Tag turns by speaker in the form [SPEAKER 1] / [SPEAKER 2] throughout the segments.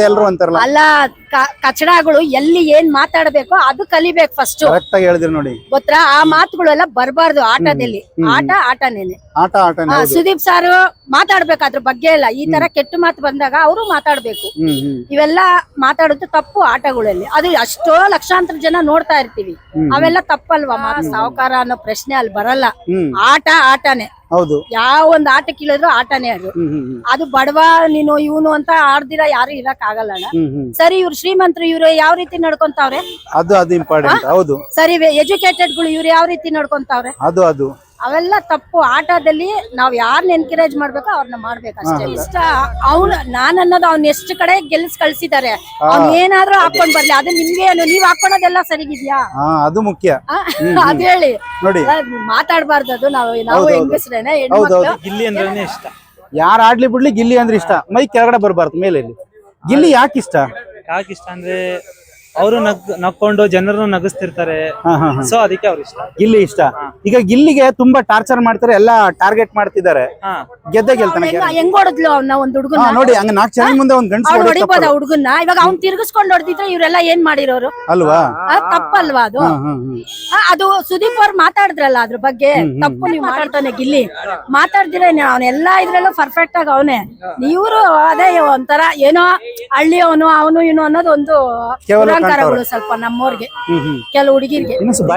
[SPEAKER 1] ಅಂತ ಎಲ್ಲರೂ ಅಂತಾರಲ್ಲ.
[SPEAKER 2] ಅಲ್ಲ, ಕಚಡಗಳು ಎಲ್ಲಿ ಏನ್ ಮಾತಾಡ್ಬೇಕೋ ಅದು ಕಲಿಬೇಕು ಫಸ್ಟ್.
[SPEAKER 1] ಕರೆಕ್ಟ್ ಆಗಿ ಹೇಳಿದ್ರಿ ನೋಡಿ.
[SPEAKER 2] ಗೊತ್ತಾ, ಆ ಮಾತುಗಳೆಲ್ಲ ಬರಬಾರ್ದು ಆಟದಲ್ಲಿ. ಆಟನೇನೆ.
[SPEAKER 1] ಆಟನೇ.
[SPEAKER 2] ಸುದೀಪ್ ಸಾರ್ ಮಾತಾಡ್ಬೇಕು ಅದ್ರ ಬಗ್ಗೆ ಎಲ್ಲ. ಈ ತರ ಕೆಟ್ಟ ಮಾತು ಬಂದಾಗ ಅವರು ಮಾತಾಡ್ಬೇಕು. ಇವೆಲ್ಲ ಮಾತಾಡೋದು ತಪ್ಪು ಆಟಗಳಲ್ಲಿ. ಅದು ಎಷ್ಟೋ ಲಕ್ಷಾಂತರ ಜನ ನೋಡ್ತಾ ಇರ್ತೀವಿ. ಅವೆಲ್ಲ ತಪ್ಪಲ್ವಾ? ಸಾವುಕಾರ ಅನ್ನೋ ಪ್ರಶ್ನೆ ಅಲ್ಲಿ ಬರಲ್ಲ. ಆಟನೇ.
[SPEAKER 1] ಹೌದು.
[SPEAKER 2] ಯಾವ ಒಂದ್ ಆಟ ಕೀಳಿದ್ರು ಆಟನೇ ಅದು. ಅದು ಬಡವ ನೀನು ಇವನು ಅಂತ ಆಡ್ದಿರ ಯಾರು ಇರಕ್ ಆಗಲ್ಲ. ಸರಿ, ಇವ್ರು ಶ್ರೀಮಂತರು, ಇವ್ರು ಯಾವ ರೀತಿ ನಡ್ಕೊಂತಾವ್ರೆ
[SPEAKER 1] ಅದು ಇಂಪಾರ್ಟೆಂಟ್. ಹೌದು.
[SPEAKER 2] ಸರಿ, ಎಜುಕೇಟೆಡ್ ಗಳು ಇವ್ರು ಯಾವ ರೀತಿ ನಡ್ಕೊಂತಾವ್ರೆ ಅದು ಅವೆಲ್ಲ ತಪ್ಪು. ಆಟದಲ್ಲಿ ನಾವ್ ಯಾರನ್ನ ಎನ್ಕರೇಜ್ ಮಾಡ್ಬೇಕೋ ಅವ್ರನ್ನ ಮಾಡ್ಬೇಕು ಅಷ್ಟೇ. ಇಷ್ಟ ಅವ್ನು ನಾನನ್ನೋದು ಅವ್ನ ಎಷ್ಟು ಕಡೆ ಗೆಲ್ಸ್ ಕಳ್ಸಿದಾರೆ. ಅವ್ನ್ ಏನಾದ್ರೂ ಹಾಕೊಂಡ್ ಬರ್ಲಿ, ಅದು ನಿಮ್ಗೆ ಏನು, ನೀವ್ ಹಾಕೊಳೋದೆಲ್ಲ ಸರಿಗಿದ್ಯಾ?
[SPEAKER 1] ಅದು ಮುಖ್ಯ.
[SPEAKER 2] ಅದ್ ಹೇಳಿ
[SPEAKER 1] ನೋಡಿ,
[SPEAKER 2] ಮಾತಾಡ್ಬಾರ್ದು ಅದು. ನಾವು ಹೆಂಗಸ್ರೇನೆ, ಹೆಣ್ಮಕ್ಳು.
[SPEAKER 3] ಗಿಲ್ಲಿ ಅಂದ್ರೆ ಇಷ್ಟ.
[SPEAKER 1] ಯಾರು ಆಡ್ಲಿ ಬಿಡ್ಲಿ ಗಿಲ್ಲಿ ಅಂದ್ರೆ ಇಷ್ಟ. ಮೈ ಕೆಳಗಡೆ ಬರ್ಬಾರ್ದು, ಮೇಲೆ. ಗಿಲ್ಲಿ ಯಾಕೆ ಇಷ್ಟ
[SPEAKER 3] ಅಂದ್ರೆ ಅವರು ನಕ್ಕೊಂಡು ಜನರನ್ನು ನಗಿಸ್ತಿರ್ತಾರೆ. ಸೊ ಅದಕ್ಕೆ ಅವ್ರು ಇಷ್ಟ.
[SPEAKER 1] ಗಿಲ್ಲಿ ಇಷ್ಟ. ಈಗ ಗಿಲ್ಲಿಗೆ ತುಂಬಾ ಟಾರ್ಚರ್ ಮಾಡ್ತಾರೆ, ಎಲ್ಲಾ ಟಾರ್ಗೆಟ್ ಮಾಡ್ತಿದ್ದಾರೆ. ಗೆದ್ದೆ ಗೆಲ್ತಾನೆ.
[SPEAKER 2] ಹೆಂಗ್ ಹೊಡೆದ್ಲು ಅವ್ನ ಒಂದ್ ಹುಡುಗನ
[SPEAKER 1] ನೋಡಿ, ಹಂಗ 4 ಜನ ಮುಂದೆ ಒಂದ್ ಗಂಟೆ
[SPEAKER 2] ಹೊಡಿಬೋದ ಹುಡುಗನ್ನ. ಇವಾಗ ಅವ್ನ್ ತಿರ್ಗಿಸ್ಕೊಂಡ್ ಹೊಡೆದಿದ್ರೆ ಇವರೆಲ್ಲ ಏನ್ ಮಾಡಿರೋರು
[SPEAKER 1] ಅಲ್ವಾ?
[SPEAKER 2] ತಪ್ಪಲ್ವಾ ಅದು? ಅದು ಸುದೀಪ್ ಅವ್ರು ಮಾತಾಡಿದ್ರಲ್ಲ ಅದ್ರ ಬಗ್ಗೆ. ತಪ್ಪು ನೀವು ಮಾತಾಡ್ತಾನೆ ಗಿಲ್ಲಿ. ಮಾತಾಡ್ದಿರ ಅವನೆಲ್ಲಾ ಇದ್ರಲ್ಲೂ ಪರ್ಫೆಕ್ಟ್ ಆಗ ಅವನೇ. ಇವ್ರು ಅದೇ ಒಂಥರ ಏನೋ ಹಳ್ಳಿ ಅವನು ಇವನು ಅನ್ನೋದು ಒಂದು ಅಲಂಕಾರಗಳು ಸ್ವಲ್ಪ ನಮ್ಮವ್ರಿಗೆ, ಕೆಲವು ಹುಡುಗಿರ್ಗೆ.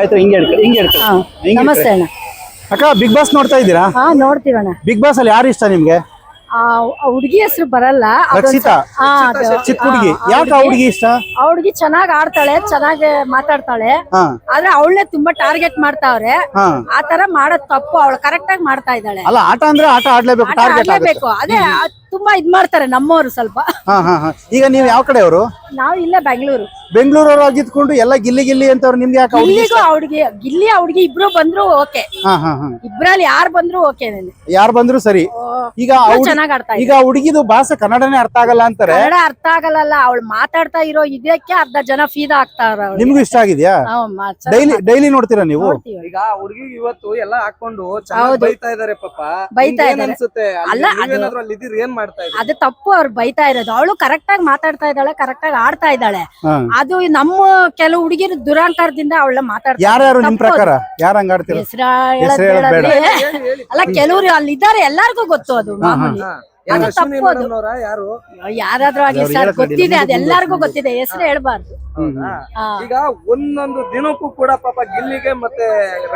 [SPEAKER 2] ನಮಸ್ತೆ ಅಣ್ಣ.
[SPEAKER 1] ಅಕ್ಕ, ಬಿಗ್ ಬಾಸ್ ನೋಡ್ತಾ ಇದ್ದೀರಾ?
[SPEAKER 2] ನೋಡ್ತೀವಣ್ಣ.
[SPEAKER 1] ಬಿಗ್ ಬಾಸ್ ಅಲ್ಲಿ ಯಾರು ಇಷ್ಟ ನಿಮ್ಗೆ?
[SPEAKER 2] ಹುಡುಗಿ ಹೆಸರು ಬರಲ್ಲ.
[SPEAKER 1] ರಕ್ಷಿತಾ, ಚಿಕ್ಕ ಹುಡುಗಿ. ಯಾಕೆ ಆ ಹುಡುಗಿ ಇಷ್ಟ?
[SPEAKER 2] ಆ ಹುಡುಗಿ ಚೆನ್ನಾಗ್ ಆಡ್ತಾಳೆ, ಚೆನ್ನಾಗಿ ಮಾತಾಡ್ತಾಳೆ. ಆದ್ರೆ ಅವಳನ್ನೇ ತುಂಬಾ ಟಾರ್ಗೆಟ್ ಮಾಡ್ತಾವ್ರೆ. ಆತರ ಮಾಡೋದ್ ತಪ್ಪು. ಅವಳು ಕರೆಕ್ಟ್ ಆಗಿ ಮಾಡ್ತಾ ಇದ್ದಾಳೆ.
[SPEAKER 1] ಅಲ್ಲ, ಆಟ ಅಂದ್ರೆ ಆಟ ಆಡ್ಲೇಬೇಕು, ಟಾರ್ಗೆಟ್
[SPEAKER 2] ಆಡ್ಲೇಬೇಕು. ಅದೇ ತುಂಬಾ ಇದ್ ಮಾಡ್ತಾರೆ ನಮ್ಮವ್ರು ಸ್ವಲ್ಪ.
[SPEAKER 1] ಈಗ ನೀವ್ ಯಾವ ಕಡೆಯವರು?
[SPEAKER 2] ನಾವು ಇಲ್ಲೇ
[SPEAKER 1] ಬೆಂಗಳೂರವ್ರು ಆಗಿದ್ಕೊಂಡು ಎಲ್ಲ ಗಿಲ್ಲಿ ಗಿಲ್ಲಿ ಅಂತವ್ರು. ನಿಮ್ಗೆ ಯಾಕೆ
[SPEAKER 2] ಗಿಲ್ಲಿ ಹುಡುಗಿ ಇಬ್ರು ಬಂದ್ರು ಓಕೆ. ಇಬ್ರಲ್ಲಿ ಯಾರು ಬಂದ್ರು ಓಕೆ.
[SPEAKER 1] ಯಾರು ಬಂದ್ರು ಸರಿ. ಈಗ
[SPEAKER 2] ಚೆನ್ನಾಗ್ ಆಡ್ತಾ
[SPEAKER 1] ಈಗ ಹುಡುಗಿದು ಭಾಷೆ ಕನ್ನಡನೇ ಅರ್ಥ ಆಗಲ್ಲ ಅಂತಾರೆ.
[SPEAKER 2] ಕನ್ನಡ ಅರ್ಥ ಆಗಲ್ಲ. ಅವಳು ಮಾತಾಡ್ತಾ ಇರೋ ಇದಕ್ಕೆ ಅರ್ಧ ಜನ ಫೀದಾ ಆಗ್ತಾರ.
[SPEAKER 1] ನಿಮ್ಗೂ ಇಷ್ಟ ಆಗಿದ್ಯಾ? ಡೈಲಿ ನೋಡ್ತೀರಾ ನೀವು?
[SPEAKER 4] ಈಗ ಹುಡುಗಿ ಇವತ್ತು ಎಲ್ಲ ಹಾಕೊಂಡು ಬೈತಾ ಇದಾರೆ ಪಾಪ.
[SPEAKER 2] ಬೈತಾ ಇದಾರೆ. ಅದು ತಪ್ಪು. ಅವ್ರು ಬೈತಾ ಇರೋದು. ಅವಳು ಕರೆಕ್ಟ್ ಆಗಿ ಮಾತಾಡ್ತಾ ಇದ್ದಾಳೆ, ಕರೆಕ್ಟ್ ಆಗಿ ಆಡ್ತಾ ಇದ್ದಾಳೆ. ಅದು ನಮ್ಮ ಕೆಲವು ಹುಡುಗಿರು ದುರಾಂಕಾರದಿಂದ ಅವಳ ಮಾತಾಡ್ತಾರೆ.
[SPEAKER 1] ಯಾರ್ಯಾರು ನಿಮ್ ಪ್ರಕಾರ ಯಾರು ಹಂಗ ಆಡ್ತೀರಾ?
[SPEAKER 2] ಅಲ್ಲ, ಕೆಲವ್ರು ಅಲ್ಲಿ ಇದ್ದಾರೆ, ಎಲ್ಲಾರ್ಗು ಗೊತ್ತು ಅದು ಮಾಮೂಲಿ. ಅದು ತಪ್ಪು. ಅದು ಯಾರಾದ್ರೂ ಆಗ್ಲಿ ಸರ್, ಗೊತ್ತಿದೆ, ಅದೆಲ್ಲರಿಗೂ ಗೊತ್ತಿದೆ. ಹೆಸರು ಹೇಳ್ಬಾರ್ದು.
[SPEAKER 4] ಈಗ ಒಂದೊಂದು ದಿನಕ್ಕೂ ಕೂಡ ಪಾಪ ಗಿಲ್ಲಿಗೆ ಮತ್ತೆ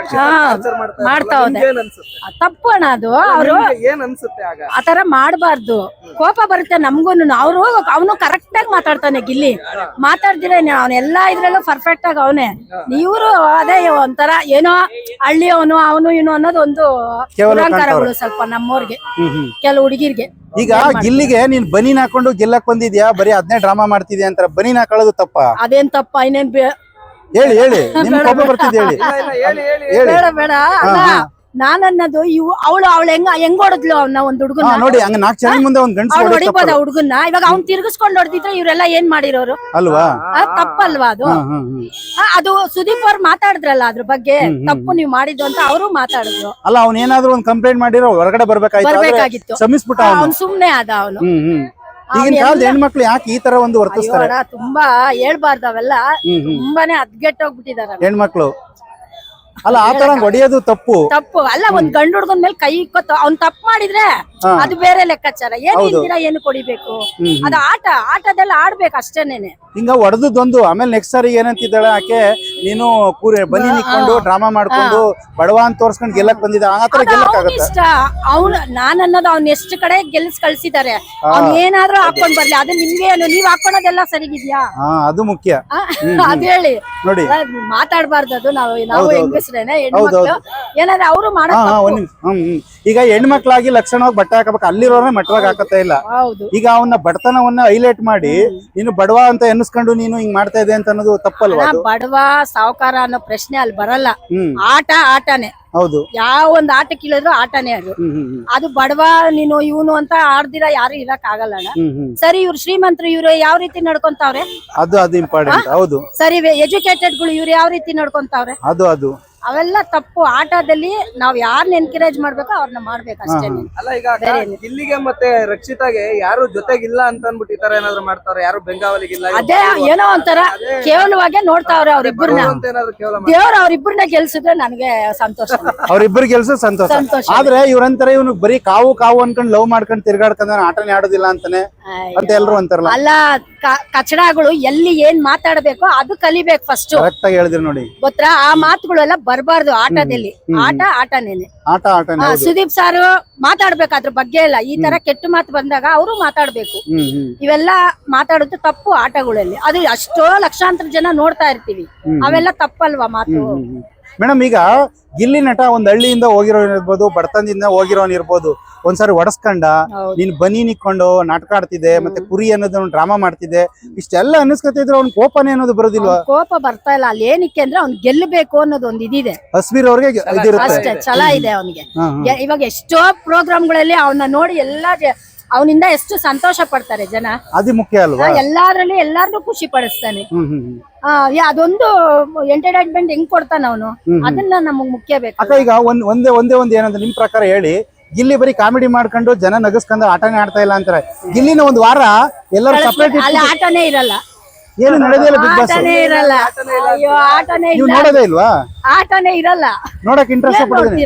[SPEAKER 2] ಮಾಡ್ತಾ ಹೋದೆ. ತಪ್ಪು ಅಣ್ಣ ಅದು. ಅವ್ರು
[SPEAKER 4] ಏನ್ ಅನ್ಸುತ್ತೆ ಆಗ?
[SPEAKER 2] ಆತರ ಮಾಡ್ಬಾರ್ದು. ಕೋಪ ಬರುತ್ತೆ ನಮ್ಗೂನು. ಅವನು ಕರೆಕ್ಟ್ ಆಗಿ ಮಾತಾಡ್ತಾನೆ ಗಿಲ್ಲಿ. ಮಾತಾಡ್ದಿರ ಅವನೆಲ್ಲಾ ಇದ್ರಲ್ಲೂ ಪರ್ಫೆಕ್ಟ್ ಆಗಿ ಅವನೇ. ಇವ್ರು ಅದೇ ಒಂಥರ ಏನೋ ಹಳ್ಳಿ ಅವನು ಇವನು ಅನ್ನೋದು ಒಂದು ಅಲಂಕಾರಗಳು ಸ್ವಲ್ಪ ನಮ್ಮವ್ರಿಗೆ, ಕೆಲವು ಹುಡುಗಿರ್ಗೆ.
[SPEAKER 1] ಈಗ ಗಿಲ್ಲಿಗೆ ನೀನ್ ಬನೀನ್ ಹಾಕೊಂಡು ಗೆಲ್ಲಕ್ ಬಂದಿದ್ಯಾ, ಬರೀ ಅದನ್ನೇ ಡ್ರಾಮಾ ಮಾಡ್ತಿದ್ಯಾ ಅಂತಾರ. ಬನೀನ್ ಹಾಕೊಳ್ಳೋದು ತಪ್ಪ?
[SPEAKER 2] ಅದೇನ್ ತಪ್ಪ? ಇನ್ನೇನ್
[SPEAKER 1] ಹೇಳಿ ನಿಮ್ ಕೋಪ ಬರ್ತಿದ್ ಹೇಳಿ.
[SPEAKER 2] ಬೇಡ ಬೇಡ. ನಾನನ್ನದು ಅವಳು ಹೆಂಗ್ ಹೊಡೆದ್ಲು ಅವ್ನ ಒಂದ್ ಹುಡುಗನ.
[SPEAKER 1] ನೋಡಿ, ಹಂಗ 4 ಜನ ಮುಂದೆ ಒಂದ್ ಗಂಟೆ
[SPEAKER 2] ಹೊಡಿಬೋದ ಹುಡುಗನ್ನ. ಇವಾಗ ಅವ್ನ್ ತಿರ್ಗಿಸ್ಕೊಂಡ್ ಹೊಡೆದಿದ್ರೆ ಇವರೆಲ್ಲ ಏನ್ ಮಾಡಿರೋರು
[SPEAKER 1] ಅಲ್ವಾ?
[SPEAKER 2] ತಪ್ಪಲ್ವಾ ಅದು? ಅದು ಸುದೀಪ್ ಅವ್ರು ಮಾತಾಡಿದ್ರಲ್ಲ ಅದ್ರ ಬಗ್ಗೆ. ತಪ್ಪು ನೀವು ಮಾಡಿದ್ದು ಅಂತ ಅವರು ಮಾತಾಡಿದ್ರು.
[SPEAKER 1] ಅಲ್ಲ, ಅವ್ನ ಏನಾದ್ರು ಒಂದ್ ಕಂಪ್ಲೇಂಟ್ ಮಾಡಿರೋ ಹೊರಗಡೆ ಬರ್ಬೇಕಾಗಿತ್ತು.
[SPEAKER 2] ಅವ್ನು ಸುಮ್ನೆ ಅದ ಅವನು.
[SPEAKER 1] ಈಗಿನ ಕಾಲದ ಹೆಣ್ಮಕ್ಳು ಯಾಕೆ ಈ ತರ ಒಂದು ವರ್ತಿಸ್ತಾರೆ?
[SPEAKER 2] ತುಂಬಾ ಹೇಳ್ಬಾರ್ದು ಅವೆಲ್ಲ. ತುಂಬಾನೇ ಅದ್ಗೆಟ್ಟೋಗ್ಬಿಟ್ಟಿದಾರ ಹೆಣ್ಮಕ್ಳು.
[SPEAKER 1] ಅಲ್ಲ, ಆತರ ಹೊಡೆಯೋದು ತಪ್ಪು.
[SPEAKER 2] ಅಲ್ಲ, ಒಂದ್ ಗಂಡು ಹುಡ್ಗನ್ ಮೇಲೆ ಕೈ ಇಕ್ಕೊತ್ತು. ಅವ್ನ್ ತಪ್ಪು ಮಾಡಿದ್ರೆ ಅದು ಬೇರೆ ಲೆಕ್ಕಾಚಾರ. ಏನು ಕೊಡಿಬೇಕು? ಅದು ಆಟದೆಲ್ಲ ಆಡ್ಬೇಕು ಅಷ್ಟೇನೇನೆ.
[SPEAKER 1] ಹಿಂಗ ಹೊಡೆದೊಂದು ಆಮೇಲೆ ನೆಕ್ಸ್ಟ್ ಸಾರಿ ಏನಂತಿದ್ದಾಳೆ ಆಕೆ, ನೀನು ಬನ್ನಿ ನಿಕ್ಕೊಂಡು ಡ್ರಾಮಾ ಮಾಡ್ಕೊಂಡು ಬಡವ ಅಂತ ತೋರ್ಸ್ಕೊಂಡ್ ಗೆಲ್ಲಕ್ ಬಂದಿದ್ದ. ಆತರ ಗೆಲ್ಲಕ್
[SPEAKER 2] ಇಷ್ಟ. ನಾನನ್ನೋದು ಅವ್ನ ಎಷ್ಟು ಕಡೆ ಗೆಲ್ಸ್ ಕಳ್ಸಿದಾರೆ. ಅವ್ನ್ ಏನಾದ್ರೂ ಹಾಕೊಂಡ್ ಬರ್ಲಿ, ಅದು ನಿಮ್ಗೆ ಏನು, ನೀವ್ ಹಾಕೊಳೋದೆಲ್ಲ ಸರಿಗಿದ್ಯಾ?
[SPEAKER 1] ಅದು ಮುಖ್ಯ.
[SPEAKER 2] ಅದ್ ಹೇಳಿ.
[SPEAKER 1] ನೋಡಿ,
[SPEAKER 2] ಮಾತಾಡ್ಬಾರ್ದು ಅದು. ನಾವು ಹೆಂಗಸ್ರೇನೆ, ಹೆಣ್ಮಕ್ಳು ಏನಾದ್ರೆ ಅವರು ಮಾಡೋದು.
[SPEAKER 1] ಈಗ ಹೆಣ್ಮಕ್ಳಾಗಿ ಲಕ್ಷಣವಾಗಿ ಬಟ್ಟೆ ಹಾಕಬೇಕು, ಅಲ್ಲಿರೋನೇ ಮಟ್ಟವಾಗಿ ಹಾಕತ್ತಾ ಇಲ್ಲ. ಈಗ ಅವನ ಬಡತನವನ್ನ ಹೈಲೈಟ್ ಮಾಡಿ ನೀನು ಬಡವ ಅಂತ ಎನ್ನಿಸ್ಕೊಂಡು ನೀನು ಹಿಂಗ್ ಮಾಡ್ತಾ ಇದೆ ಅಂತ ಅನ್ನೋದು ತಪ್ಪಲ್ವಾ?
[SPEAKER 2] ಬಡವ ಸಾವುಕಾರ ಅನ್ನೋ ಪ್ರಶ್ನೆ ಅಲ್ಲಿ ಬರಲ್ಲ. ಆಟನೇ.
[SPEAKER 1] ಹೌದು.
[SPEAKER 2] ಯಾವ ಒಂದ್ ಆಟ ಕೀಳಿದ್ರು ಆಟನೇ ಅದು. ಅದು ಬಡವ ನೀನು ಇವನು ಅಂತ ಆಡ್ದಿರ ಯಾರು ಇರಕ್ ಆಗಲ್ಲ. ಸರಿ, ಇವ್ರು ಶ್ರೀಮಂತರು, ಇವ್ರು ಯಾವ ರೀತಿ ನಡ್ಕೊಂತಾವ್ರೆ?
[SPEAKER 1] ಅದು ಇಂಪಾರ್ಟೆಂಟ್. ಹೌದು.
[SPEAKER 2] ಸರಿ, ಎಜುಕೇಟೆಡ್ ಗಳು ಇವ್ರು ಯಾವ ರೀತಿ ನಡ್ಕೊಂತಾವ್ರೆ?
[SPEAKER 1] ಅದು
[SPEAKER 2] ಅವೆಲ್ಲ ತಪ್ಪು. ಆಟದಲ್ಲಿ ನಾವ್ ಯಾರನ್ನ ಎನ್ಕರೇಜ್ ಮಾಡ್ಬೇಕೋ ಅವ್ರನ್ನ ಮಾಡ್ಬೇಕು ಅಷ್ಟೇ.
[SPEAKER 4] ಅಲ್ಲ ಈಗ ಗಿಲ್ಲಿಗೆ ಮತ್ತೆ ರಕ್ಷಿತಾಗೆ ಯಾರು ಜೊತೆಗಿಲ್ಲ ಅಂತ ಅನ್ಬಿಟ್ಟು ಈ ತರ ಏನಾದ್ರು ಮಾಡ್ತಾವ್ರೆ, ಯಾರು ಬೆಂಗಾವಲಿಗಿಲ್ಲ,
[SPEAKER 2] ಅದೇ ಏನೋ ಒಂಥರ ಕೇವಲವಾಗೆ ನೋಡ್ತಾವ್ರೆ ಅವ್ರಿಬ್ಬರನ್ನ.
[SPEAKER 4] ಅಂತ ಏನಾದ್ರು ಕೇವಲ
[SPEAKER 2] ದೇವ್ರ ಅವ್ರಿಬ್ಬರನ್ನ ಗೆಲ್ಸಿದ್ರೆ ನನಗೆ ಸಂತೋಷ.
[SPEAKER 1] ಅವ್ರಿಬ್ಬರು ಗೆಲ್ಸ ಸಂತೋಷ. ಆದ್ರೆ ಇವ್ರಂತಾರೆ ಇವನು ಬರೀ ಕಾವು ಕಾವು ಅನ್ಕೊಂಡ್ ಲವ್ ಮಾಡ್ಕೊಂಡ್ ತಿರ್ಗಾಡ್ಕೊಂಡ್ ಆಟನೇ ಆಡೋದಿಲ್ಲ ಅಂತಾನೆ ಅಂತ ಎಲ್ರು ಅಂತಾರಲ್ಲ.
[SPEAKER 2] ಅಲ್ಲ, ಕಚಡಗಳು ಎಲ್ಲಿ ಏನ್ ಮಾತಾಡ್ಬೇಕು ಅದು ಕಲಿಬೇಕು ಫಸ್ಟ್.
[SPEAKER 1] ಕರೆಕ್ಟ್ ಆಗಿ ಹೇಳಿದ್ರಿ ನೋಡಿ.
[SPEAKER 2] ಗೊತ್ತಾ, ಆ ಮಾತುಗಳೆಲ್ಲ ಬರಬಾರ್ದು ಆಟದಲ್ಲಿ. ಆಟನೇನೆ.
[SPEAKER 1] ಆಟನೇ.
[SPEAKER 2] ಸುದೀಪ್ ಸಾರು ಮಾತಾಡ್ಬೇಕು ಅದ್ರ ಬಗ್ಗೆ ಎಲ್ಲ. ಈ ತರ ಕೆಟ್ಟ ಮಾತು ಬಂದಾಗ ಅವರು ಮಾತಾಡ್ಬೇಕು. ಇವೆಲ್ಲ ಮಾತಾಡೋದು ತಪ್ಪು ಆಟಗಳಲ್ಲಿ. ಅದು ಎಷ್ಟೋ ಲಕ್ಷಾಂತರ ಜನ ನೋಡ್ತಾ ಇರ್ತೀವಿ. ಅವೆಲ್ಲ ತಪ್ಪಲ್ವಾ ಮಾತು?
[SPEAKER 1] ಮೇಡಮ್, ಈಗ ಗಿಲ್ಲಿ ನಟ ಒಂದ್ ಹಳ್ಳಿಯಿಂದ ಹೋಗಿರೋನ್ ಇರ್ಬೋದು, ಬಡತನದಿಂದ ಹೋಗಿರೋನ್ ಇರ್ಬೋದು, ಒಂದ್ಸಾರಿ ಒಡಸ್ಕೊಂಡ ನೀನ್ ಬನ್ನಿ ನಿಕ್ಕೊಂಡು ನಾಟಕ ಆಡ್ತಿದ್ದೆ, ಮತ್ತೆ ಕುರಿ ಅನ್ನೋದು ಡ್ರಾಮಾ ಮಾಡ್ತಿದ್ದೆ, ಇಷ್ಟೆಲ್ಲ ಅನ್ನಿಸ್ಕೊತಿದ್ರೆ ಅವ್ನ ಕೋಪನೇ ಅನ್ನೋದು ಬರೋದಿಲ್ವಾ?
[SPEAKER 2] ಕೋಪ ಬರ್ತಾ ಇಲ್ಲ. ಅಲ್ಲಿ ಏನಕ್ಕೆ ಅಂದ್ರೆ ಅವ್ನ್ ಗೆಲ್ಲಬೇಕು ಅನ್ನೋದು ಒಂದ್ ಇದಿದೆ.
[SPEAKER 1] ಹಸ್ಬೀರ್ ಅವ್ರಿಗೆ ಇದಿರುತ್ತೆ
[SPEAKER 2] ಅಷ್ಟೇ, ಛಲ ಇದೆ ಅವನಿಗೆ. ಇವಾಗ ಎಷ್ಟೋ ಪ್ರೋಗ್ರಾಮ್ಗಳಲ್ಲಿ ಅವನ್ನ ನೋಡಿ ಅವನಿಂದ ಎಷ್ಟು ಸಂತೋಷ ಪಡ್ತಾರೆ ಜನ.
[SPEAKER 1] ಅದು ಮುಖ್ಯ ಅಲ್ವಾ?
[SPEAKER 2] ಎಲ್ಲಾದ್ರಲ್ಲಿ ಎಲ್ಲಾರ್ನು ಖುಷಿ ಪಡಿಸ್ತಾನೆ. ಅದೊಂದು ಎಂಟರ್ಟೈನ್ಮೆಂಟ್ ಹೆಂಗ್ ಕೊಡ್ತಾನ ಅವನು, ಅದನ್ನ ನಮಗ್ ಮುಖ್ಯ ಬೇಕು.
[SPEAKER 1] ಅಕ್ಕ, ಈಗ ಒಂದೇ ಏನಂದ್ರೆ ನಿಮ್ ಪ್ರಕಾರ ಹೇಳಿ, ಗಿಲ್ಲಿ ಬರೀ ಕಾಮಿಡಿ ಮಾಡ್ಕೊಂಡು ಜನ ನಗಸ್ಕೊಂಡು ಆಟನೇ ಆಡ್ತಾ ಇಲ್ಲ ಅಂತಾರೆ. ಗಿಲ್ಲಿನ ಒಂದ್ ವಾರ ಎಲ್ಲರೂ ಸಪರೇಟ್
[SPEAKER 2] ಅಲ್ಲಿ ಆಟನೇ ಇರಲ್ಲ,
[SPEAKER 1] ಏನು ನಡೆದಿಲ್ಲ. ಬಿಗ್ ಬಾಸ್
[SPEAKER 2] ಆಟನೇ ಇರಲ್ಲ. ಅಯ್ಯೋ, ಆಟನೇ
[SPEAKER 1] ನೀವು
[SPEAKER 2] ಇಲ್ಲ,
[SPEAKER 1] ನೋಡೋದೇ ಇಲ್ವಾ?
[SPEAKER 2] ಆಟನೇ ಇರಲ್ಲ.
[SPEAKER 1] ನೋಡಕ್ ಇಂಟ್ರೆಸ್ಟ್ ಪಡೋದಿಲ್ಲ.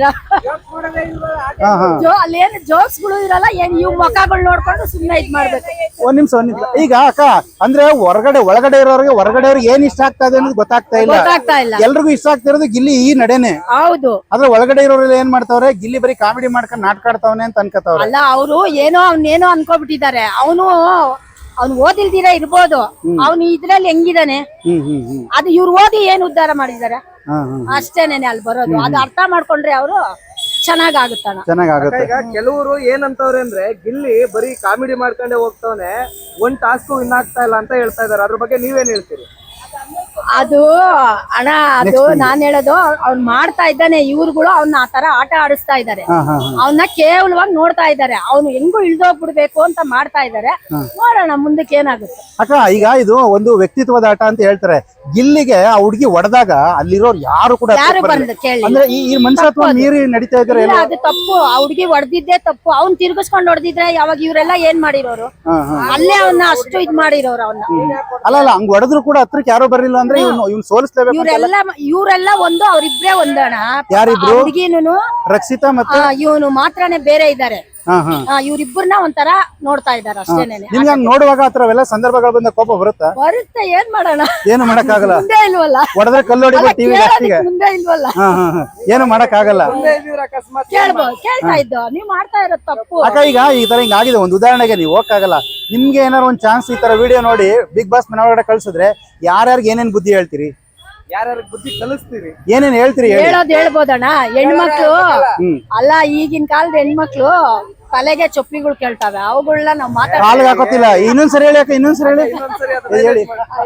[SPEAKER 2] ಅಲ್ಲೇನು ಜೋಕ್ಸ್ ಗಳು ಇರಲ್ಲ, ಏನ್ ಇವ್ ಮುಖಗಳು ನೋಡ್ಕೊಂಡು ಸುಮ್ನೆ ಇದ್ ಮಾಡ್ಬೇಕು.
[SPEAKER 1] ಒಂದ್ ನಿಮಿಷ. ಈಗ ಅಕ್ಕ, ಅಂದ್ರೆ ಒಳಗಡೆ ಇರೋರಿಗೆ ಹೊರಗಡೆಯವ್ರಿಗೆ ಏನ್ ಇಷ್ಟ ಆಗ್ತಾ ಇದೆ ಅನ್ನೋದು ಗೊತ್ತಾಗ್ತಾ ಇಲ್ಲ. ಎಲ್ರಿಗೂ ಇಷ್ಟ ಆಗ್ತಿರೋದು ಗಿಲ್ಲಿ ಈ ನಡೆನೆ.
[SPEAKER 2] ಹೌದು.
[SPEAKER 1] ಆದ್ರೆ ಒಳಗಡೆ ಇರೋರೆಲ್ಲ ಏನ್ ಮಾಡ್ತಾವ್ರೆ, ಗಿಲ್ಲಿ ಬರೀ ಕಾಮಿಡಿ ಮಾಡ್ಕೊಂಡು ನಾಟಕ ಆಡ್ತಾವನೆ ಅಂತ ಅನ್ಕೋತಾವ್ರೆ.
[SPEAKER 2] ಅಲ್ಲ, ಅವರು ಅವನೇನೋ ಅನ್ಕೋಬಿಟ್ಟಿದ್ದಾರೆ. ಅವ್ನು ಓದಿಲ್ದಿರ ಇರ್ಬೋದು, ಅವ್ನು ಇದ್ರಲ್ಲಿ ಹೆಂಗಿದಾನೆ ಅದು ಇವ್ರು ಓದಿ ಏನ್ ಉದ್ಧಾರ ಮಾಡಿದಾರೆ ಅಷ್ಟೇನೇನೆ ಅಲ್ಲಿ ಬರೋದು. ಅದು ಅರ್ಥ ಮಾಡ್ಕೊಂಡ್ರೆ ಅವರು ಚೆನ್ನಾಗಾಗುತ್ತೆ.
[SPEAKER 4] ಈಗ ಕೆಲವರು ಏನಂತವ್ರೆ ಅಂದ್ರೆ, ಗಿಲ್ಲಿ ಬರೀ ಕಾಮಿಡಿ ಮಾಡ್ಕೊಂಡೆ ಹೋಗ್ತಾವನೆ, ಒಂದ್ ಟಾಸ್ಕ್ ವಿನ್ ಆಗ್ತಾ ಇಲ್ಲ ಅಂತ ಹೇಳ್ತಾ ಇದಾರೆ. ಅದ್ರ ಬಗ್ಗೆ ನೀವೇನ್ ಹೇಳ್ತೀರಿ?
[SPEAKER 2] ಅದು ಅಣ್ಣ, ಅದು ನಾನ್ ಹೇಳೋದು, ಅವ್ನ್ ಮಾಡ್ತಾ ಇದ್ದಾನೆ. ಇವ್ರುಗಳು ಅವ್ನ ಆ ತರ ಆಟ ಆಡಿಸ್ತಾ ಇದಾರೆ. ಅವನ್ನ ಕೇವಲವಾಗಿ ನೋಡ್ತಾ ಇದಾರೆ. ಅವ್ನು ಹೆಂಗು ಇಳ್ದೋಗ್ಬಿಡ್ಬೇಕು ಅಂತ ಮಾಡ್ತಾ ಇದಾರೆ. ನೋಡೋಣ ಮುಂದಕ್ಕೆ ಏನಾಗುತ್ತೆ.
[SPEAKER 1] ಅಕ್ಕ, ಈಗ ಇದು ಒಂದು ವ್ಯಕ್ತಿತ್ವದ ಆಟ ಅಂತ ಹೇಳ್ತಾರೆ. ಗಿಲ್ಲಿಗೆ ಆ ಹುಡುಗಿ ಹೊಡೆದಾಗ ಅಲ್ಲಿರೋರು ಯಾರು ಕೂಡ ಅಂದ್ರೆ ಈ ಮನುಷ್ಯತ್ವ ಮೀರಿ ನಡೀತಾ ಇದಾರೆ.
[SPEAKER 2] ಅದು ತಪ್ಪು. ಆ ಹುಡುಗಿ ಹೊಡೆದಿದ್ದೆ ತಪ್ಪು. ಅವ್ನ್ ತಿರ್ಗಿಸ್ಕೊಂಡ್ ಹೊಡೆದಿದ್ರೆ ಯಾವಾಗ ಇವರೆಲ್ಲ ಏನ್ ಮಾಡಿರೋರು? ಅಲ್ಲೇ ಅವನ್ನ ಅಷ್ಟು ಇದ್ ಮಾಡಿರೋರು ಅವನ್ನ.
[SPEAKER 1] ಅಲ್ಲ, ಹಂಗ್ ಹೊಡೆದ್ರು ಕೂಡ ಹತ್ರಕ್ಕೆ ಯಾರೋ ಬರ್ಲಿಲ್ಲ ಅಂದ್ರೆ ಇವ್ನು ಸೋಲಿಸ್ಲೇಬೇಕು.
[SPEAKER 2] ಇವರೆಲ್ಲ ಒಂದು, ಅವ್ರಿಬ್ರೇ ಒಂದಣ.
[SPEAKER 1] ಯಾರಿಬ್ರು?
[SPEAKER 2] ಹುಡುಗಿನೂ
[SPEAKER 1] ರಕ್ಷಿತಾ ಮತ್ತೆ
[SPEAKER 2] ಇವನು ಮಾತ್ರನೇ ಬೇರೆ ಇದ್ದಾರೆ. ಇವ್ರಿಬ್ಬರನ್ನ ಒಂಥರ ನೋಡ್ತಾ ಇದಾರೆ ಅಷ್ಟೇನೇನೆ.
[SPEAKER 1] ನಿಮ್ಗೆ ಹಂಗ್ ನೋಡುವಾಗ ಆತರವೆಲ್ಲ ಸಂದರ್ಭಗಳು ಬಂದ ಕೋಪ ಬರುತ್ತೆ?
[SPEAKER 2] ಏನ್ ಮಾಡೋಣ,
[SPEAKER 1] ಏನು ಮಾಡಕ್ಕಾಗಲ್ಲ.
[SPEAKER 2] ಮುಂದೆ ಇಲ್ವಲ್ಲ,
[SPEAKER 1] ಹೊಡೆದ್ರೆ ಕಲ್ಲೋಡಿ ಟಿವಿ
[SPEAKER 2] ಮುಂದೆ ಇಲ್ವಲ್ಲ,
[SPEAKER 1] ಏನು ಮಾಡಕ್ಕಾಗಲ್ಲ.
[SPEAKER 2] ಕೇಳ್ತಾ ಇದ್ದು ನೀವ್ ಮಾಡ್ತಾ ಇರೋದು ತಪ್ಪು.
[SPEAKER 1] ಅಕ್ಕ, ಈಗ ಈ ತರ ಹಿಂಗ್ ಆಗಿದೆ, ಒಂದು ಉದಾಹರಣೆಗೆ ನೀವು ಹೋಗಕ್ಕಾಗಲ್ಲ. ನಿಮ್ಗೆ ಏನಾರು ಒಂದ್ ಚಾನ್ಸ್ ಈ ತರ ವಿಡಿಯೋ ನೋಡಿ ಬಿಗ್ ಬಾಸ್ ಮನೆಯೊಳಗಡೆ ಕಳ್ಸಿದ್ರೆ ಯಾರ್ಯಾರಿಗೆ ಏನೇನ್ ಬುದ್ಧಿ ಹೇಳ್ತೀರಿ?
[SPEAKER 4] ಯಾರ್ಯಾರ ಬುದ್ಧಿ ಕಲಿಸ್ತೀರಿ?
[SPEAKER 1] ಏನೇನ್ ಹೇಳ್ತೀರಿ?
[SPEAKER 2] ಹೇಳ್ಬೋದಣ್ಣ. ಹೆಣ್ಮಕ್ಳು ಅಲ್ಲ, ಈಗಿನ ಕಾಲದ ಹೆಣ್ಮಕ್ಳು ತಲೆಗೆ ಚೊಪ್ಪಿಗಳು ಕೇಳ್ತಾವೆ. ಅವುಗಳನ್ನ ನಾವ್
[SPEAKER 1] ಕಾಲ್ಗೆ ಹಾಕೋತಿಲ್ಲ. ಇನ್ನೊಂದ್ಸರಿ ಹೇಳಿ ಅಕ್ಕ, ಇನ್ನೊಂದ್ಸರಿ ಹೇಳಿ.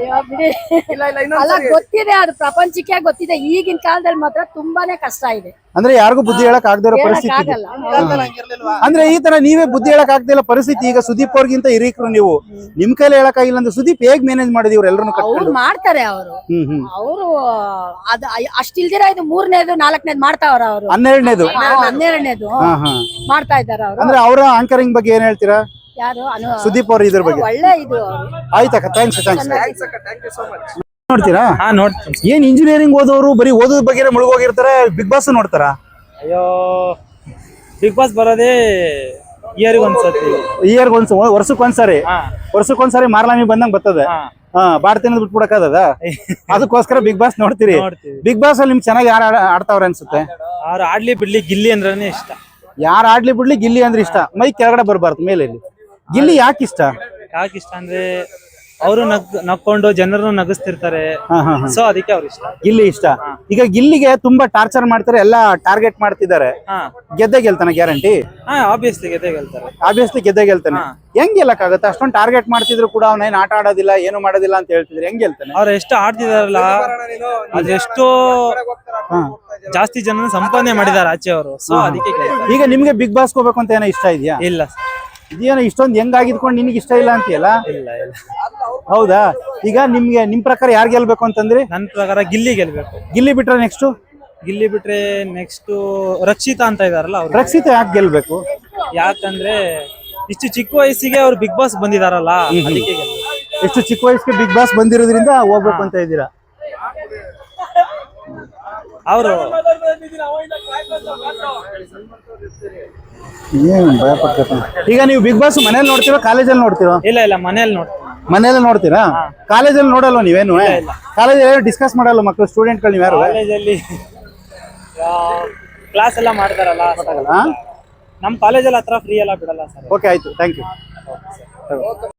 [SPEAKER 2] ಅಲ್ಲ, ಗೊತ್ತಿದೆ, ಅದು ಪ್ರಪಂಚಕ್ಕೆ ಗೊತ್ತಿದೆ. ಈಗಿನ ಕಾಲದಲ್ಲಿ ಮಾತ್ರ ತುಂಬಾನೇ ಕಷ್ಟ ಇದೆ.
[SPEAKER 1] ಅಂದ್ರೆ ಯಾರಿಗೂ ಬುದ್ಧಿ ಹೇಳಕ್ ಆಗದಿರೋ ಪರಿಸ್ಥಿತಿ. ಅಂದ್ರೆ ಈ ತರ ನೀವೇ ಬುದ್ಧಿ ಹೇಳಕ್ ಆಗ್ದಿಲ್ಲ ಪರಿಸ್ಥಿತಿ. ಈಗ ಸುದೀಪ್ ಅವ್ರಿಗಿಂತ ಹಿರೀಕರು ನೀವು, ನಿಮ್ ಕೈಲಿ ಹೇಳಕ್ ಆಗಿಲ್ಲ ಅಂದ್ರೆ ಸುದೀಪ್ ಹೇಗ್ ಮ್ಯಾನೇಜ್ ಮಾಡಿದ್ವಿ ಇವ್ರೆಲ್ಲರೂ?
[SPEAKER 2] ಅವ್ರು ಮಾಡ್ತಾರೆ. ಅವರು ಅದು ಅಷ್ಟಿಲ್ದಿರ ಇದು 3ನೇದು 4ನೇದು ಮಾಡ್ತಾವ್ರ. ಅವರು 12ನೇದು ಮಾಡ್ತಾ ಇದಾರೆ. ಅವರು
[SPEAKER 1] ಅಂದ್ರೆ ಅವರ ಆಂಕರಿಂಗ್ ಬಗ್ಗೆ ಏನ್ ಹೇಳ್ತೀರಾ?
[SPEAKER 2] ಯಾರು?
[SPEAKER 1] ಸುದೀಪ್ ಅವ್ರ ಇದ್ರ ಬಗ್ಗೆ
[SPEAKER 2] ಒಳ್ಳೆ ಇದು.
[SPEAKER 1] ಆಯ್ತಕ್ಕ, ಥ್ಯಾಂಕ್ಸ್. ನೋಡ್ತೀರಾ?
[SPEAKER 3] ನೋಡ್ತೀನಿ.
[SPEAKER 1] ಏನ್ ಇಂಜಿನಿಯರಿಂಗ್ ಓದೋರು ಬರೀ ಓದೋದ್ ಬಗ್ಗೆ ಮುಳುಗೋಗಿರ್ತಾರೆ, ಬಿಗ್ ಬಾಸ್ ನೋಡ್ತಾರ?
[SPEAKER 3] ಅಯ್ಯೋ, ಬಿಗ್ ಬಾಸ್ ಬರೋದೇ
[SPEAKER 1] ವರ್ಷಕ್ಕೊಂದ್ಸರಿ ಮಾರ್ಲಾಮಿ ಬಂದಂಗ್ ಬರ್ತದೆ. ಬಾಡ್ತೀನಿ ಬಿಟ್ಬಿಡಕ್ಕದ, ಅದಕ್ಕೋಸ್ಕರ ಬಿಗ್ ಬಾಸ್ ನೋಡ್ತೀರಿ. ಬಿಗ್ ಬಾಸ್ ಅಲ್ಲಿ ನಿಮ್ಗೆ ಚೆನ್ನಾಗಿ ಯಾರು ಆಡ್ತಾವ್ರೆ ಅನ್ಸುತ್ತೆ?
[SPEAKER 3] ಅವ್ರು ಆಡ್ಲಿ ಬಿಡ್ಲಿ ಗಿಲ್ಲಿ ಅಂದ್ರೆ ಇಷ್ಟ.
[SPEAKER 1] ಯಾರು ಆಡ್ಲಿ ಬಿಡ್ಲಿ ಗಿಲ್ಲಿ ಅಂದ್ರೆ ಇಷ್ಟ. ಮೈ ಕೆಳಗಡೆ ಬರ್ಬಾರ್ದು, ಮೇಲೆ. ಗಿಲ್ಲಿ ಯಾಕೆ ಇಷ್ಟ
[SPEAKER 3] ಅಂದ್ರೆ ಅವರು ನಕ್ಕೊಂಡು ಜನರನ್ನು ನಗಿಸ್ತಿರ್ತಾರೆ. ಸೊ ಅದಕ್ಕೆ ಅವ್ರು ಇಷ್ಟ.
[SPEAKER 1] ಗಿಲ್ಲಿ ಇಷ್ಟ. ಈಗ ಗಿಲ್ಲಿಗೆ ತುಂಬಾ ಟಾರ್ಚರ್ ಮಾಡ್ತಾರೆ, ಎಲ್ಲಾ ಟಾರ್ಗೆಟ್ ಮಾಡ್ತಿದ್ದಾರೆ. ಗೆದ್ದೆ ಗೆಲ್ತಾನೆ ಗ್ಯಾರಂಟಿ?
[SPEAKER 3] ಆಬ್ವಿಯಸ್ಲಿ
[SPEAKER 1] ಗೆದ್ದೆ ಗೆಲ್ತಾನೆ. ಹೆಂಗ್ ಗೆಲ್ಲಕ್ಕಾಗತ್ತೆ? ಅಷ್ಟೊಂದು ಟಾರ್ಗೆಟ್ ಮಾಡ್ತಿದ್ರು ಕೂಡ ಅವ್ನೇನ್ ಆಟ ಆಡೋದಿಲ್ಲ, ಏನು ಮಾಡೋದಿಲ್ಲ ಅಂತ ಹೇಳ್ತಿದ್ರೆ ಹೆಂಗ್ ಗೆಲ್ತಾನೆ?
[SPEAKER 3] ಅವ್ರು ಎಷ್ಟು ಆಡ್ತಿದಾರಲ್ಲ, ಅದೆಷ್ಟೋ ಜಾಸ್ತಿ ಜನ ಸಂಪಾದನೆ ಮಾಡಿದಾರೆ ಆಚೆ ಅವರು. ಸೊ ಅದಕ್ಕೆ
[SPEAKER 1] ಈಗ ನಿಮ್ಗೆ ಬಿಗ್ ಬಾಸ್ ಹೋಗ್ಬೇಕು ಅಂತ ಏನೋ ಇಷ್ಟ ಇದೆಯಾ?
[SPEAKER 3] ಇಲ್ಲ.
[SPEAKER 1] ಇದೇನೋ ಇಷ್ಟೊಂದು ಹೆಂಗಾಗಿದ್ಕೊಂಡು ನಿನಗೆ ಇಷ್ಟ ಇಲ್ಲ ಅಂತೀಯಲ್ಲ?
[SPEAKER 3] ಇಲ್ಲ.
[SPEAKER 1] ಹೌದಾ? ಈಗ ನಿಮ್ ಪ್ರಕಾರ ಯಾರು ಗೆಲ್ಬೇಕು ಅಂತಂದ್ರಿ?
[SPEAKER 3] ನನ್ನ ಪ್ರಕಾರ ಗಿಲ್ಲಿ ಗೆಲ್ಬೇಕು.
[SPEAKER 1] ಗಿಲ್ಲಿ ಬಿಟ್ರೆ ನೆಕ್ಸ್ಟ್
[SPEAKER 3] ಗಿಲ್ಲಿ ಬಿಟ್ರೆ ನೆಕ್ಸ್ಟ್ ರಕ್ಷಿತಾ ಅಂತ ಇದಾರಲ್ಲ ಅವ್ರು.
[SPEAKER 1] ರಕ್ಷಿತ ಯಾಕೆ ಗೆಲ್ಬೇಕು?
[SPEAKER 3] ಯಾಕಂದ್ರೆ ಇಷ್ಟು ಚಿಕ್ಕ ವಯಸ್ಸಿಗೆ ಅವ್ರು ಬಿಗ್ ಬಾಸ್ ಬಂದಿದಾರಲ್ಲ, ಅದಕ್ಕೆ ಗೆಲ್ಬೇಕು.
[SPEAKER 1] ಎಷ್ಟು ಚಿಕ್ಕ ವಯಸ್ಸಿಗೆ ಬಿಗ್ ಬಾಸ್ ಬಂದಿರೋದ್ರಿಂದ ಹೋಗ್ಬೇಕು ಅಂತ ಇದ್ದೀರಾ?
[SPEAKER 3] ಅವರು
[SPEAKER 1] ಏನ್ ಭಯ ಪಡ್ತಾರೆ. ಈಗ ನೀವು ಬಿಗ್ ಬಾಸ್ ಮನೇಲಿ ನೋಡ್ತೀರಾ ಕಾಲೇಜಲ್ಲಿ ನೋಡ್ತೀರಾ?
[SPEAKER 3] ಇಲ್ಲ ಮನೇಲಿ ನೋಡ್ತೀನಿ.
[SPEAKER 1] ಮನೇಲಿ ನೋಡ್ತೀರಾ? ಕಾಲೇಜಲ್ಲಿ ನೋಡಲ್ವ ನೀವೇನು? ಕಾಲೇಜಲ್ಲಿ ಡಿಸ್ಕಸ್ ಮಾಡಲ್ಲ ಮಕ್ಕಳು ಸ್ಟೂಡೆಂಟ್ಗಳು ನೀವು ಯಾರು?
[SPEAKER 3] ಕಾಲೇಜಲ್ಲಿ ಕ್ಲಾಸ್ ಎಲ್ಲ ಮಾಡ್ತಾರಲ್ಲ,
[SPEAKER 1] ಹಾ?
[SPEAKER 3] ನಮ್ ಕಾಲೇಜಲ್ಲಿ ಹತ್ರ ಫ್ರೀ ಎಲ್ಲ ಬಿಡಲ್ಲ ಸರ್.
[SPEAKER 1] ಓಕೆ ಆಯ್ತು, ಥ್ಯಾಂಕ್ ಯು.